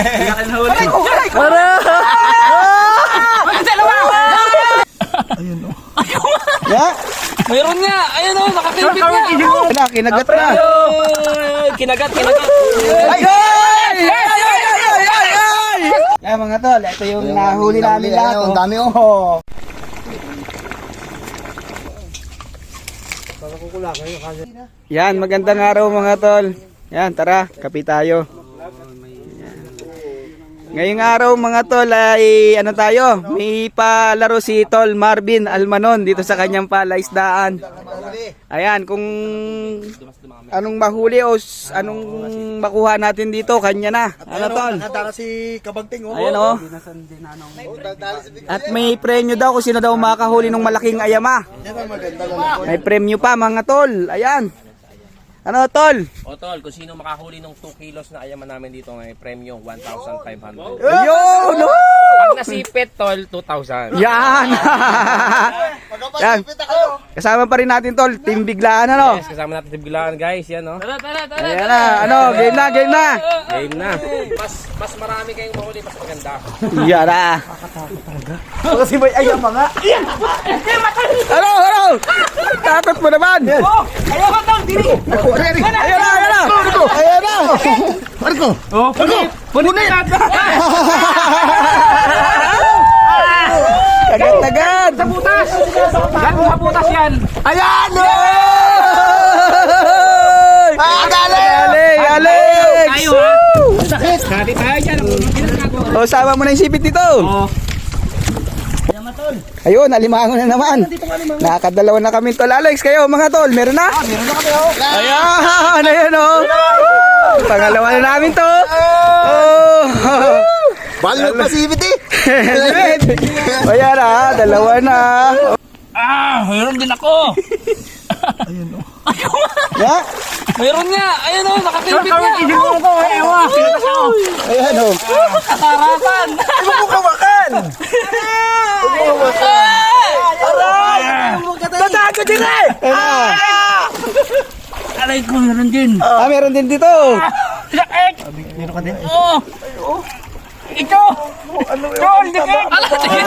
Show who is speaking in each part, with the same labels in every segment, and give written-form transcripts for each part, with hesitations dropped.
Speaker 1: Ayun o.
Speaker 2: Mayroon nga. Ayun o, nakakilbit nga.
Speaker 1: Wala, kinagat na.
Speaker 2: Kinagat.
Speaker 1: Yan mga tol, ito yung nahuli namin lahat. Ang dami oh. Yan, magandang araw mga tol. Yan, tara, kape tayo. Ngayong araw mga tol ay ano tayo, may palaro si Tol Marvin Almanon dito sa kanyang palaisdaan. Ayan, kung anong mahuli o anong makuha natin dito, kanya na. Ano tol?
Speaker 3: Nakatara si Kabagting oh.
Speaker 1: Ayan o. At may premyo daw kung sino daw makahuli ng malaking ayama. May premyo pa mga tol. Ayan. Ano tol?
Speaker 2: O tol, kung sino makahuli ng 2 kilos na ayaman namin dito, may premyo 1,500.
Speaker 1: Ayun! No!
Speaker 2: Pag nasipit tol, 2,000.
Speaker 1: Yan! Yan. Kasama pa rin natin tol, team biglaan ano?
Speaker 2: Yes, kasama natin tibgilaan guys, yan no. Tara.
Speaker 1: Ayan na, ano, game na.
Speaker 2: Game na. Mas marami kayong mahuli, mas maganda.
Speaker 1: Yan na. Kasi may ayama nga. Ano? Takot mo naman.
Speaker 2: Ayaw ka tol, dili.
Speaker 1: Ayan na.
Speaker 3: Marco!
Speaker 2: Punin na.
Speaker 1: Agad.
Speaker 2: Sa butas. Yan, sa butas yan.
Speaker 1: Ayan! Galing!
Speaker 2: Tayo ha. Sakit. Hati tayo dyan.
Speaker 1: O, sama mo na yung sipit dito. Ayun, alimango na naman. Nakakadalawa na kami tol. Alex, kayo mga tol, meron na? Meron na kami oh. Ayan o. Pangalawa na namin to.
Speaker 3: Balo pa si Ibit eh!
Speaker 1: Ayan na, dalawa na.
Speaker 2: Mayroon din ako.
Speaker 1: Ya?
Speaker 2: Mayroon nga. Ayun o, nakakilbit nga.
Speaker 1: Ayan o.
Speaker 2: Katarasan.
Speaker 1: Tatago din eh!
Speaker 2: Aray ko, meron din.
Speaker 1: Meron din dito.
Speaker 2: Meron ka din? Oo. Ito! Ano yun? Sige!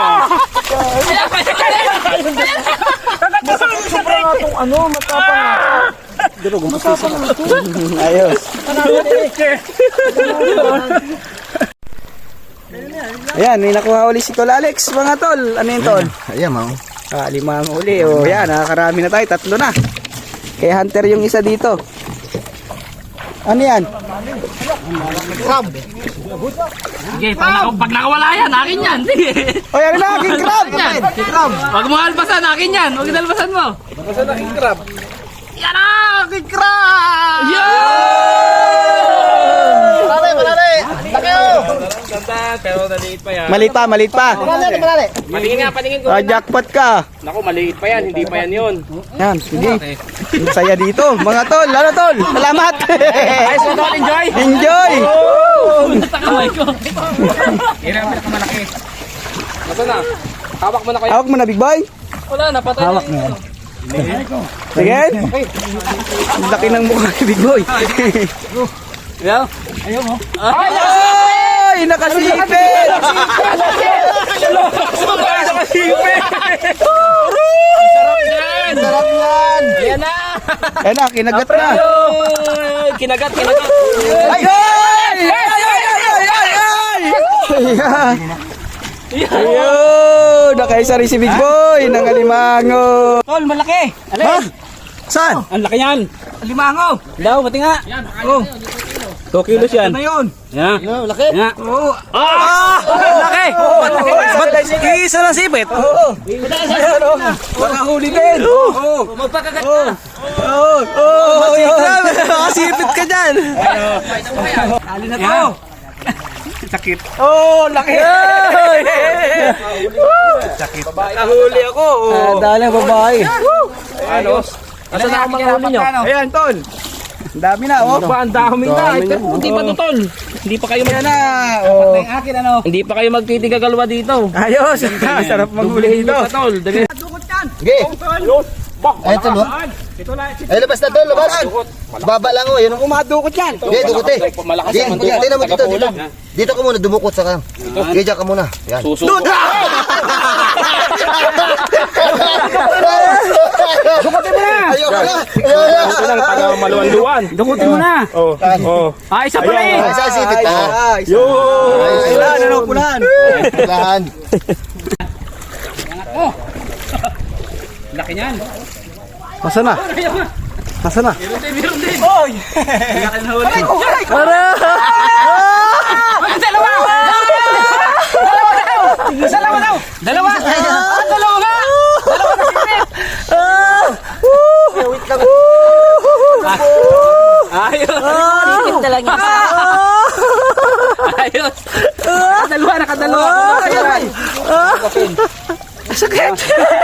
Speaker 3: Sobrang atong ano, matapang.
Speaker 1: Ayos. Ayan, may nakuha uli si Tol Alex, mga tol. Ano yun tol?
Speaker 3: Ayan mo.
Speaker 1: Limang uli. O yan, nakakarami na tayo. 3 na. Kaya hunter yung isa dito. Ano yan?
Speaker 3: Crab!
Speaker 2: Sige, pag nakawala yan, akin yan. Sige.
Speaker 1: O yan na, king crab!
Speaker 2: Wag mo albasan, akin yan. Wag albasan mo.
Speaker 3: Basta na king crab.
Speaker 2: Yan na! King crab!
Speaker 3: Malali! Laki oh!
Speaker 2: Ganda, pero maliit pa yan.
Speaker 1: Maliit pa.
Speaker 3: Malali!
Speaker 2: Paningin ko.
Speaker 1: Jackpot ka.
Speaker 2: Naku, maliit pa yan, hindi pa yan yun.
Speaker 1: Yan, sige. Ang saya dito. Mga tol, ano tol? Salamat!
Speaker 2: Ayos mo tol, enjoy!
Speaker 1: Enjoy!
Speaker 2: Natakamay ko. Yan ang pinakamalaki. Nasaan na? Hawak mo na kayo.
Speaker 1: Hawak mo na, big boy.
Speaker 2: Wala, napatay. Hawak mo.
Speaker 1: Sige. Ang laki ng mukha ni big boy.
Speaker 2: Ayaw? Ayaw mo?
Speaker 1: Ay, nakasipit!
Speaker 3: Sarap yan!
Speaker 2: Ayan na!
Speaker 1: Ayan na, kinagat na.
Speaker 2: Kinagat.
Speaker 1: Ay! Ayun! Nakaisa rin si big boy ng alimango.
Speaker 2: Tol, malaki!
Speaker 1: Ha? Saan?
Speaker 2: Ang laki yan! Alimango! Daw, pati nga! Yan, 2 kilos yan.
Speaker 1: Ano yun?
Speaker 2: Yan.
Speaker 3: Ano, laki?
Speaker 2: Yan.
Speaker 1: Laki! Ba't isa lang sipit? Oo. Ayan o. Makahuli din. Oo.
Speaker 2: Magpakagat
Speaker 1: Oo. Oo. Nakasipit ka dyan.
Speaker 2: Kali na to. Sakit.
Speaker 1: Oo, laki. Sakit. Nakahuli ako. Dahil ang babae.
Speaker 2: Ayos. Asa na ako manghuli nyo?
Speaker 1: Ayan, tol. Ang dami na, oh.
Speaker 2: Ba, ang dami na. Pero hindi pa to, tol. Hindi pa kayo
Speaker 1: Ayan na. Oh.
Speaker 2: akin, ano? Hindi pa kayo magtitigagalwa dito.
Speaker 1: Ayos. Sarap manghuli dito.
Speaker 2: Hindi pa, tol.
Speaker 3: Sige! Ay, ito, no? Ay, labas na doon, labas. Baba lang, oh. Yun,
Speaker 1: Kumadukot yan.
Speaker 3: Hindi, dukot eh.
Speaker 2: Malakas
Speaker 3: Hindi,
Speaker 2: naman to.
Speaker 3: hindi naman dito, dito. Dito ka muna, dumukot sa ka. Hindi, dyan ka muna. Yan.
Speaker 2: Susuko.
Speaker 1: Dukutin mo na.
Speaker 3: Ayoko na.
Speaker 2: Ito lang, taga maluwan-luwan.
Speaker 1: Dukutin mo na.
Speaker 2: Oh, oh.
Speaker 1: Ah, isa pala eh.
Speaker 3: Ay, sa sitit ka.
Speaker 2: Yo!
Speaker 1: Pulaan, ano, pulaan.
Speaker 3: Lahan.
Speaker 2: Laki niyan.
Speaker 1: Masa na? Masa na?
Speaker 2: Meron din.
Speaker 1: Oy! Para!
Speaker 2: Dalawa! Dalawa daw! Dalawa! Dalawa nga!
Speaker 3: Wait lang.
Speaker 2: Ayos!
Speaker 4: talaga.
Speaker 2: Ayos! Nakadalawa, nakadalawa!
Speaker 1: Sakit!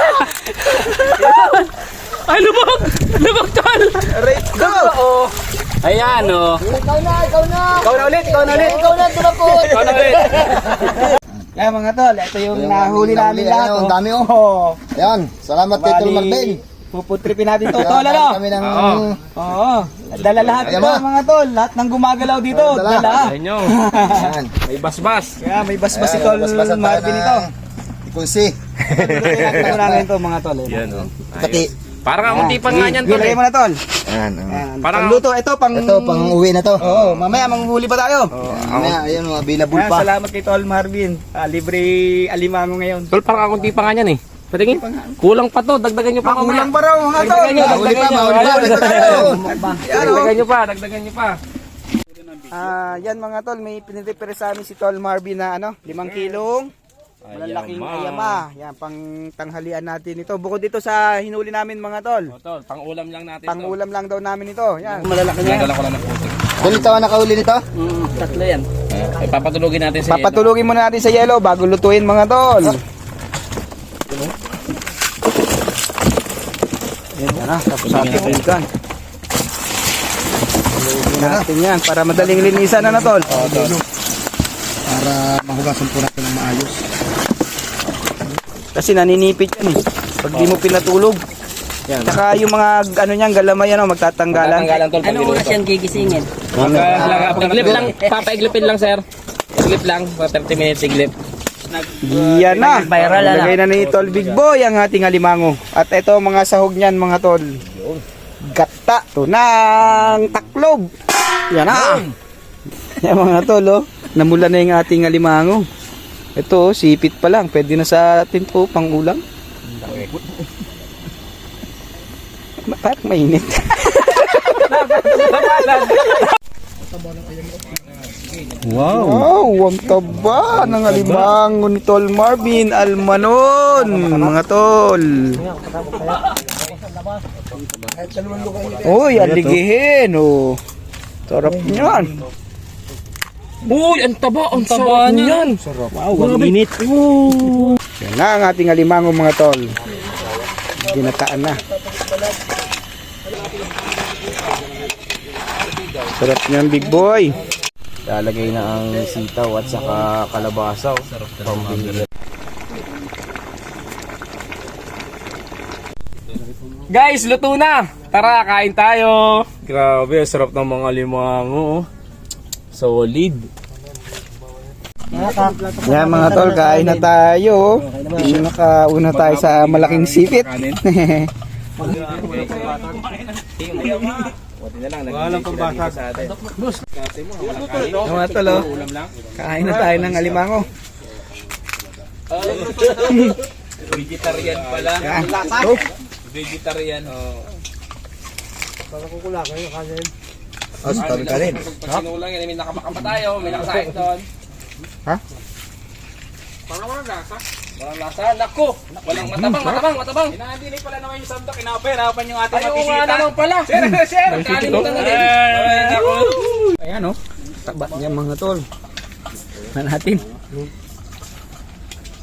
Speaker 2: Ay, lubog! Lubog, tol!
Speaker 1: Go!
Speaker 2: Ayan, oh.
Speaker 3: Ikaw na, ikaw na.
Speaker 1: Ikaw na ulit, ikaw na ulit.
Speaker 3: Ikaw na, dumukot.
Speaker 2: Ikaw na ulit.
Speaker 1: Kaya mga tol, ito yung nahuli namin
Speaker 3: nahuli,
Speaker 1: lahat.
Speaker 3: ano, ang dami, oh.
Speaker 1: Oo.
Speaker 3: Ayan, salamat kay Tol Marvin.
Speaker 1: Puputripin natin to, tol, ano?
Speaker 3: Kami ng...
Speaker 1: Oo. Dala lahat
Speaker 3: Ayan
Speaker 1: ito,
Speaker 3: ba?
Speaker 1: mga tol. Lahat ng gumagalaw dito,
Speaker 3: Dala.
Speaker 1: dala.
Speaker 2: Ayan nyo.
Speaker 3: Ayan.
Speaker 2: May basbas.
Speaker 1: Kaya may basbas si
Speaker 3: Ayan,
Speaker 1: tol
Speaker 3: basbasan tayo
Speaker 1: Marvin
Speaker 3: ng
Speaker 1: ito.
Speaker 3: Ikunsi.
Speaker 1: Ito namin ito, mga tol.
Speaker 2: Yan, oh.
Speaker 3: Pati.
Speaker 2: Parang kakunti pa nga niyan, tol.
Speaker 1: Ilagay mo na, tol.
Speaker 3: Ayan.
Speaker 1: Ayan.
Speaker 2: Parang-
Speaker 1: Pangluto, ito, pang...
Speaker 3: Ito, pang uwi na to.
Speaker 1: Oo, mamaya manghuli pa tayo.
Speaker 3: Mamaya, ayun, available
Speaker 1: Ayan,
Speaker 3: pa.
Speaker 1: salamat kay Tol Marvin. Libre alimango ngayon.
Speaker 2: Tol, parang kakunti pa nga niyan, eh. Patingin. Kulang pa to. Dagdagan nyo pa mamaya.
Speaker 1: Kulang pa raw, mga tol.
Speaker 2: Dagdagan nyo,
Speaker 3: Mahuli pa,
Speaker 2: dagdagan nyo.
Speaker 3: mahuli pa.
Speaker 2: Ayun,
Speaker 3: Dagdagan
Speaker 2: dagdagan nyo.
Speaker 1: Yan, oh.
Speaker 2: Dagdagan nyo pa, dagdagan nyo pa.
Speaker 1: Yan mga tol, may pinirepere sa amin si Tol Marvin na 5 kilong malalaking ayama. Yan, pang tanghalian natin ito. Bukod dito sa hinuli namin mga tol.
Speaker 2: O, tol, pang-ulam lang natin
Speaker 1: Pang
Speaker 2: to.
Speaker 1: ulam lang daw namin ito. Yan, malalaki na yan.
Speaker 2: Dala ko lang ng puso.
Speaker 3: Doon ito ang nakahuli nito?
Speaker 2: Tatlo yan. Papatulogin natin sa
Speaker 1: Papatulugin muna natin sa yelo bago lutuin mga tol. Yan na, tapos ating ulikan. Tulugin natin yan para madaling linisan na tol.
Speaker 3: Para mahugasan po natin ng maayos.
Speaker 1: Kasi naninipit yan eh. Pag di mo pinatulog.
Speaker 2: Yan.
Speaker 1: Saka yung mga ano niyan, galamay ano, magtatanggalan.
Speaker 2: Tanggalan, tol.
Speaker 4: Ano oras yan gigisingin?
Speaker 2: Pag-iglip lang. Papaiglipin lang, sir. Iglip lang. 30 minutes iglip.
Speaker 1: Yan na.
Speaker 4: Viral na.
Speaker 1: Lagay na ni Tol Big Boy ang ating alimango. At ito mga sahog niyan mga tol. Gata to ng taklob. Yan na. Yan mga tol oh. Namula na yung ating alimango. Ito oh, sipit pa lang. Pwede na sa atin po pang ulam. Parang mainit. Wow, ang taba ng alimango ni Tol Marvin Almanon, mga tol. Uy, aligihin, oh. Sarap niyan.
Speaker 2: Uy, ang taba niyan.
Speaker 1: Wow, ang init. Yan na ang ating alimango, mga tol. Ginataan na. Sarap niyan, Big Boy.
Speaker 5: Lalagay na ang sitaw at saka kalabasaw. Pambihira.
Speaker 2: Guys, luto na. Tara, kain tayo. Grabe, sarap ng mga limango. Solid.
Speaker 1: Yan mga tol, kain na tayo. Nakauna tayo sa malaking sipit.
Speaker 2: Walang pambasag sa atin.
Speaker 1: Mga tol, oh. Kain na tayo ng alimango.
Speaker 2: Vegetarian pala.
Speaker 1: Yan. Oh.
Speaker 2: Vegetarian.
Speaker 3: Oh, sabi ka rin.
Speaker 2: Pag sinulang yan, may nakamakam pa tayo. May nakasain doon.
Speaker 1: Ha?
Speaker 2: Parang walang lasa. Walang lasa. Naku! Walang matabang.
Speaker 5: Hindi pala naman yung sandok. Hinapan yung ating
Speaker 2: Ayaw nga naman pala. Sir. Kalimutan na din. Naku.
Speaker 1: Ayan oh. Taba niya mga tol. Na natin.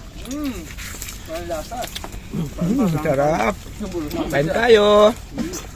Speaker 1: Sarap. Kain tayo.